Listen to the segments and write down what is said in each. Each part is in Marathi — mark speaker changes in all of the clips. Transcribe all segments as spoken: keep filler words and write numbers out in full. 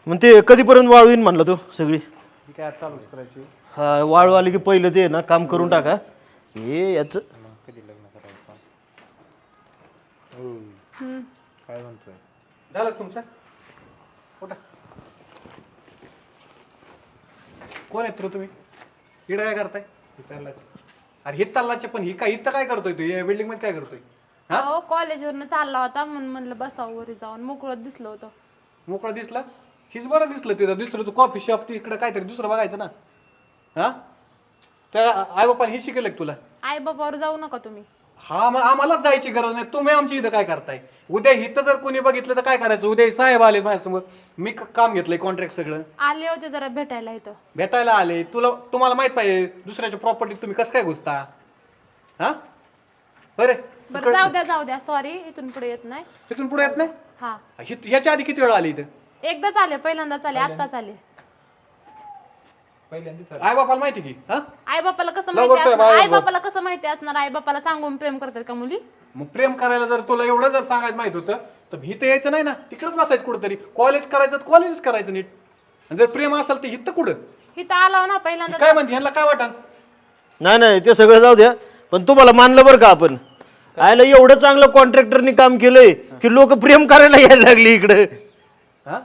Speaker 1: मग ते कधीपर्यंत वाळवीन म्हणलं तू सगळी?
Speaker 2: ती काय चालूच करायची.
Speaker 1: हा वाळू आली की पहिलं ते ना काम करून टाका. हे याच
Speaker 2: कधी लग्न करायचं? हो काय म्हणतोय? झालं तुमचं? उठा. कोण आहेत रे तुम्ही? इकडे काय करताय? अरे हे तल्लाचे पण ही काय इथं काय करतोय तू? या बिल्डिंग मध्ये काय करतोय?
Speaker 3: हो कॉलेजवरनं चालला होता म्हणून म्हणलं बसावं वरी जाऊन मोकळत दिसलं होतं.
Speaker 2: मोकळं दिसला? हीच बरं दिसलं तिथं. दुसरं तू कॉफी शॉप तिकडे काहीतरी दुसरं बघायचं ना. हा त्या आई बापाने हे शिकवलं तुला?
Speaker 3: आई बाबावर जाऊ नका तुम्ही.
Speaker 2: हा मग आम्हालाच जायची गरज नाही. तुम्ही आमच्या इथं काय करताय? उद्या इथं जर कोणी बघितलं तर काय करायचं? उद्या साहेब आले माझ्यासमोर, मी काम घेतलंय कॉन्ट्रॅक्ट सगळं.
Speaker 3: आले होते जरा भेटायला इथं.
Speaker 2: भेटायला आले. तुला तुम्हाला माहित पाहिजे दुसऱ्याच्या प्रॉपर्टीत तुम्ही कसं काय घुसता? हा बरे
Speaker 3: बरं जाऊ द्या जाऊ द्या सॉरी इथून पुढे येत नाही.
Speaker 2: तिथून पुढे येत नाही?
Speaker 3: हा
Speaker 2: हि- याच्या आधी किती वेळा आली इथं?
Speaker 3: एकदाच आले पहिल्यांदाच आले आत्ताच आले.
Speaker 2: आई बापाला माहिती की? हा
Speaker 3: आई बापाला कसं
Speaker 2: लवकर
Speaker 3: माहिती
Speaker 2: तर
Speaker 3: असणार?
Speaker 2: बाहेर
Speaker 3: आई
Speaker 2: बघ.
Speaker 3: बापाला कसं माहिती असणार? आई बापाला सांगून प्रेम करतात का मुली?
Speaker 2: मग प्रेम करायला जर तुला एवढं जर सांगायचं माहित होतं तर इथं यायचं नाही ना. तिकडच बसायचं कुठंतरी. कॉलेज करायचं तर कॉलेजच करायचं नीट. आणि जर प्रेम असेल तर इथं कुठं?
Speaker 3: इथं आलो ना पहिल्यांदा.
Speaker 2: काय म्हणते ह्यांना काय वाटन?
Speaker 1: नाही नाही ते सगळं जाऊ द्या, पण तुम्हाला मानलं बरं का आपण. आयला एवढं चांगलं कॉन्ट्रॅक्टरनी काम केलंय की लोक प्रेम करायला यायला लागली इकडे.
Speaker 2: हा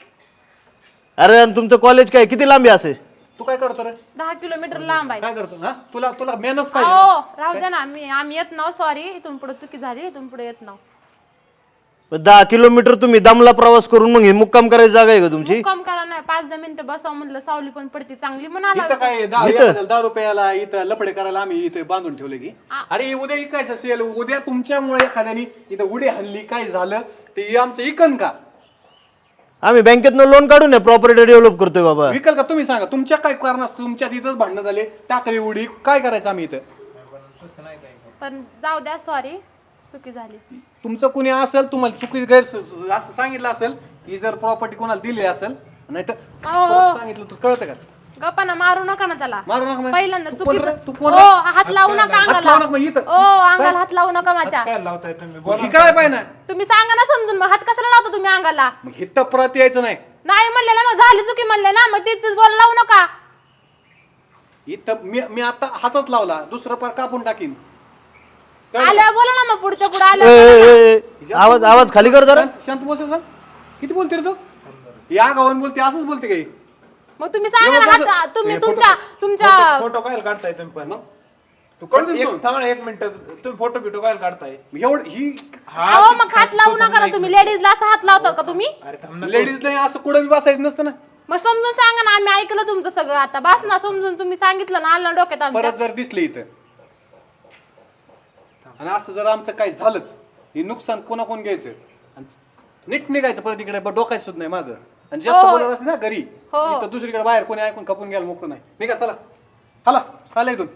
Speaker 1: अरे आणि तुमचं कॉलेज काय किती लांबी असे?
Speaker 2: तू काय करतो रे?
Speaker 3: दहा किलोमीटर लांब आहे.
Speaker 2: काय करतो? हा तुला तुला मेहनत पाहिजे ना?
Speaker 3: हो राहू द्या ना मी आम्ही येत नाव सॉरी इथून पुढे चुकी झाली इथून पुढे येत नाव.
Speaker 1: दहा किलोमीटर तुम्ही दमला प्रवास करून मग हे मुक्काम करायची जागा आहे का तुमची?
Speaker 3: मुक्काम करा नाही पाच दहा मिनिटं बसावं म्हणलं सावली पण पडती चांगली म्हणाला.
Speaker 2: इथं काय दहा
Speaker 1: इथं?
Speaker 2: एखाद्याला दहा रुपयाला इथं लपडे करायला आम्ही इथे बांधून ठेवले की? अरे उद्या इकायचं असेल, उद्या तुमच्यामुळे एखाद्यानी इथं उडी हल्ली काय झालं ते आमचं इकन का?
Speaker 1: आम्ही बँकेतनं लोन काढून या प्रॉपर्टी डेव्हलप करतोय बाबा.
Speaker 2: विकल का? तुम्ही सांगा. तुमच्या काय कारण तुमच्यात इथंच भांडणं झाले टाकली उडी काय करायचं आम्ही इथं?
Speaker 3: पण जाऊ द्या सॉरी चुकी झाली.
Speaker 2: तुमचं कुणी असेल तुम्हाला चुकी गैर असं सांगितलं असेल की जर प्रॉपर्टी कोणाला दिली असेल नाही तर सांगितलं तू कळतं का?
Speaker 3: गप्पाना मारू नका ना त्याला.
Speaker 2: मारू नका म्हणजे?
Speaker 3: पहिल्यांदा
Speaker 2: तू
Speaker 3: चुकी
Speaker 2: कोण रे? तू कोण
Speaker 3: ओ
Speaker 2: रे?
Speaker 3: हात लावू नका
Speaker 2: हात
Speaker 3: अंगाला.
Speaker 2: लावू नका मग इथं.
Speaker 3: ओ अंगाला हात लावू नका माझ्या.
Speaker 2: ही कळाय पाहिजे ना.
Speaker 3: तुम्ही सांगा ना समजून मग हात कशाला लावता तुम्ही अंगाला?
Speaker 2: मग इथं परत यायचं नाही.
Speaker 3: नाही म्हणले ना मग झाली चुकी म्हणले ना मग तिथेच बोल लावू नका.
Speaker 2: इथं मी मी आता हातच लावला दुसरं पार कापून टाकीन.
Speaker 3: आल्या बोला ना मग पुढच्या पुढे
Speaker 1: ए,
Speaker 3: आल्या.
Speaker 1: ए, ए, आवाज आवाज खाली कर जरा.
Speaker 2: शांत- शांत बस जरा. किती बोलते रे तू? या गावान बोलते असंच बोलते काही?
Speaker 3: मग तुम्ही सांगा ना हात तुम्ही तुमच्या तुमच्या
Speaker 4: फोटो काय काढताय तुम्ही पण?
Speaker 2: तू कळतो
Speaker 4: एक
Speaker 2: तू?
Speaker 4: थांबा ना, एक मिनिट तुम्ही फोटो बिटो काय काढताय?
Speaker 2: एवढं ही
Speaker 3: अहो मग हात लावू नका ना तुम्ही लेडीजला असं हात लावता का तुम्ही?
Speaker 4: अरे थांब ना.
Speaker 2: लेडीज नाही असं कुठं बी बसायचं नसतं ना.
Speaker 3: मग समजून सांगा ना आम्ही ऐकलं तुमचं सगळं आता बस ना समजून तुम्ही सांगितलं ना आलं ना डोक्यात आमच्या.
Speaker 2: परत जर दिसले इथं आणि असं जर आमचं काही झालंच हे नुकसान कोणा कोण घ्यायचं आणि नीट निघायचं परत इकडे डोकायचं सुद्धा नाही मागं. आणि जास्त
Speaker 3: हो.
Speaker 2: बोलत असेल ना घरी
Speaker 3: हो.
Speaker 2: इथं दुसरीकडे बाहेर कोणी ऐकून खपून घ्यायला मोकळं नाही. निघा चला. हाला हाला इथून.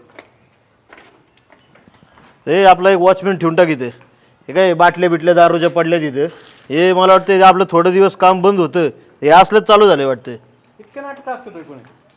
Speaker 1: हे आपला एक वॉचमॅन ठेवून टाक इथे. हे काय बाटल्या बिटल्या दारूच्या पडल्या तिथे. हे मला वाटतं आपलं थोडं दिवस काम बंद होतं हे असलंच चालू झालंय वाटतं.
Speaker 2: इतकं नाटक असतं तो कोणी